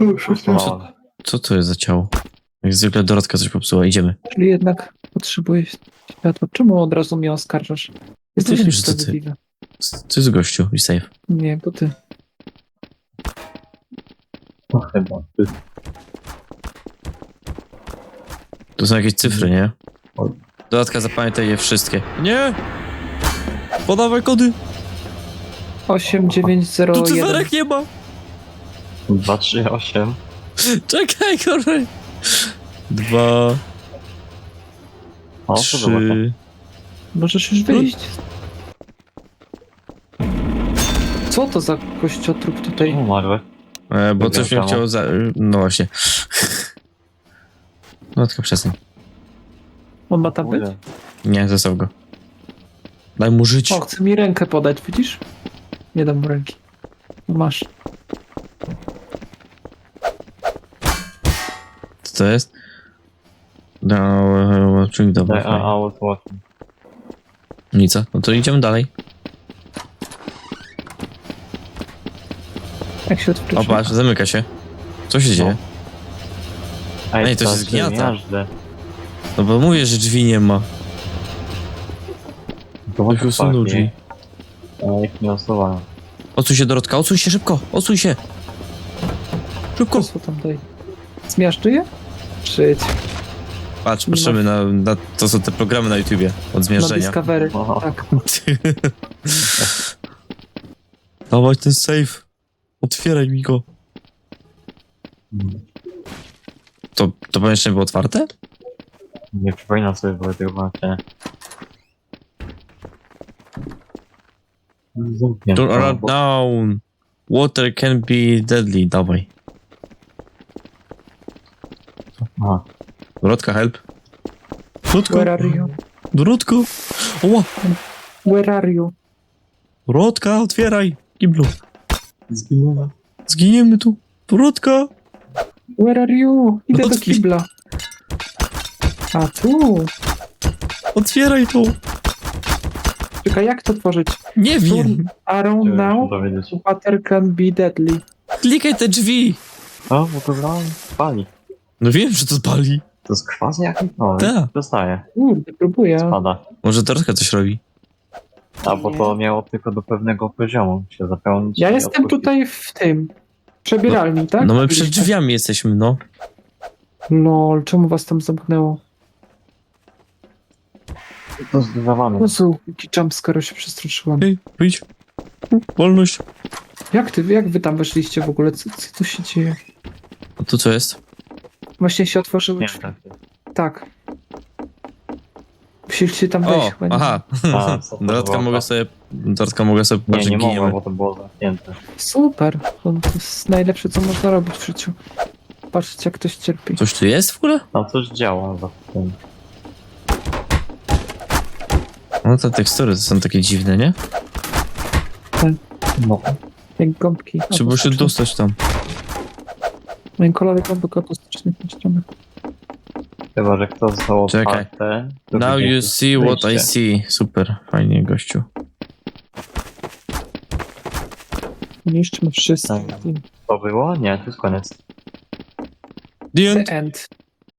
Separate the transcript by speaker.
Speaker 1: Co to jest za ciało? Jak zwykle Dorotka coś popsuła, idziemy.
Speaker 2: Czyli jednak potrzebuję światła. Czemu od razu mnie oskarżasz? Jesteś
Speaker 1: wiem, że to ty.
Speaker 2: niesprawiedliwy.
Speaker 1: Co jest gościu? I safe.
Speaker 2: Nie, to ty.
Speaker 3: No chyba.
Speaker 1: Tu są jakieś cyfry, nie?
Speaker 3: Oj.
Speaker 1: Dorotka, zapamiętaj je wszystkie. Nie! Podawaj kody!
Speaker 2: 8901.
Speaker 1: Tu cyferek nie ma!
Speaker 3: 2, 3, 8.
Speaker 1: Czekaj, kolej! 2,
Speaker 3: O, to
Speaker 1: 3...
Speaker 2: Możesz już wyjść. Co to za kościotrup tutaj?
Speaker 3: Umarły.
Speaker 1: Bo coś mnie
Speaker 3: Wygrał
Speaker 1: chciało za... No właśnie. Dorotka, przestań.
Speaker 2: On ma tam być?
Speaker 1: Nie, zostaw go. Daj mu żyć.
Speaker 2: O, chce mi rękę podać, widzisz? Nie dam mu ręki. Masz.
Speaker 1: Co to jest? No, czyli dobra.
Speaker 3: Daj,
Speaker 1: fajnie.
Speaker 3: a was watching.
Speaker 1: Nic, no to idziemy dalej.
Speaker 2: Jak się odwróci?
Speaker 1: O, patrz, zamyka się. Co się dzieje? Ej, to się
Speaker 3: tak,
Speaker 1: zgniata.
Speaker 3: miażdżę.
Speaker 1: No bo mówię, że drzwi nie ma.
Speaker 3: To
Speaker 1: Ktoś usunął drzwi.
Speaker 3: Ja ich nie usuwałem.
Speaker 1: Odsuń się, Dorotka, odsuń się szybko, odsuń się. Szybko.
Speaker 2: Co tam daj? Zmiażdżyję? Przyjdź.
Speaker 1: Patrz, patrzymy na to są te programy na YouTubie od
Speaker 2: Na
Speaker 1: zmierzenia.
Speaker 2: Discovery.
Speaker 3: Aha.
Speaker 2: Tak.
Speaker 1: Dawaj ten safe. Otwieraj mi go. To pomieszczenie było otwarte?
Speaker 3: Nie przypominam sobie było tego właśnie. Zamknięte.
Speaker 1: Turn around down. Water can be deadly. Dawaj.
Speaker 3: Aha.
Speaker 1: Dorotka, help. Dorotka.
Speaker 2: Where are you?
Speaker 1: Dorotka. Oła.
Speaker 2: Where are you?
Speaker 1: Dorotka, otwieraj. Giblu.
Speaker 3: Zginęła.
Speaker 1: Zginiemy tu. Dorotka.
Speaker 2: Where are you? Idę do
Speaker 1: Otwórz.
Speaker 2: kibla. A tu?
Speaker 1: Otwieraj to.
Speaker 2: Czekaj, jak to tworzyć?
Speaker 1: Nie wiem.
Speaker 2: Turn around
Speaker 3: Chciałem
Speaker 2: now.
Speaker 3: się dowiedzieć.
Speaker 2: Water can be deadly.
Speaker 1: Klikaj te drzwi.
Speaker 3: O, bo to brałem. Pali.
Speaker 1: No wiem, że to pali.
Speaker 3: To jest kwas jakiś? No,
Speaker 1: Tak.
Speaker 3: dostaje.
Speaker 2: Kurde, próbuję.
Speaker 3: Spada.
Speaker 1: Może Dorotka coś robi.
Speaker 3: A bo
Speaker 2: Nie.
Speaker 3: to miało tylko do pewnego poziomu się zapełnić.
Speaker 2: Ja
Speaker 3: i
Speaker 2: jestem
Speaker 3: odpuścić.
Speaker 2: tutaj w tym. Przebieralni, tak?
Speaker 1: No my przed drzwiami jesteśmy, no.
Speaker 2: Lol, czemu was tam zamknęło?
Speaker 3: To zdawane.
Speaker 2: Jezu, jaki jumpscare, się przestraszyłam.
Speaker 1: Ej, wyjdź. Wolność.
Speaker 2: Jak wy tam weszliście w ogóle? Co tu się dzieje?
Speaker 1: A tu co jest?
Speaker 2: Właśnie się otworzyły
Speaker 3: Nie,
Speaker 2: drzwi.
Speaker 3: tak.
Speaker 2: Tak. Musieliście tam wejść
Speaker 1: O,
Speaker 2: chyba. nie?
Speaker 1: aha.
Speaker 3: A, co to
Speaker 1: Dorotka
Speaker 3: było?
Speaker 1: mogę sobie
Speaker 3: Nie,
Speaker 1: patrzeć,
Speaker 3: nie mogłem,
Speaker 1: giniemy.
Speaker 3: bo to było zamknięte.
Speaker 2: Super. To jest najlepsze, co można robić w życiu. Patrzcie, jak ktoś cierpi.
Speaker 1: Coś tu jest w ogóle?
Speaker 3: Tam coś działa za tym.
Speaker 1: No te tekstury to są takie dziwne, nie?
Speaker 3: No.
Speaker 2: Jak gąbki.
Speaker 1: Trzeba się dostać tam.
Speaker 2: Moim kolorem gąbek autostycznych niszczonych.
Speaker 3: Chyba, że kto zostało
Speaker 1: Czekaj.
Speaker 3: otwarte, to
Speaker 1: Now
Speaker 3: będzie
Speaker 1: you see what I
Speaker 3: wyjście.
Speaker 1: see. Super, fajnie, gościu.
Speaker 2: Niszczmy wszystko.
Speaker 3: Tak. To było? Nie, to jest koniec.
Speaker 1: The end.
Speaker 2: The end.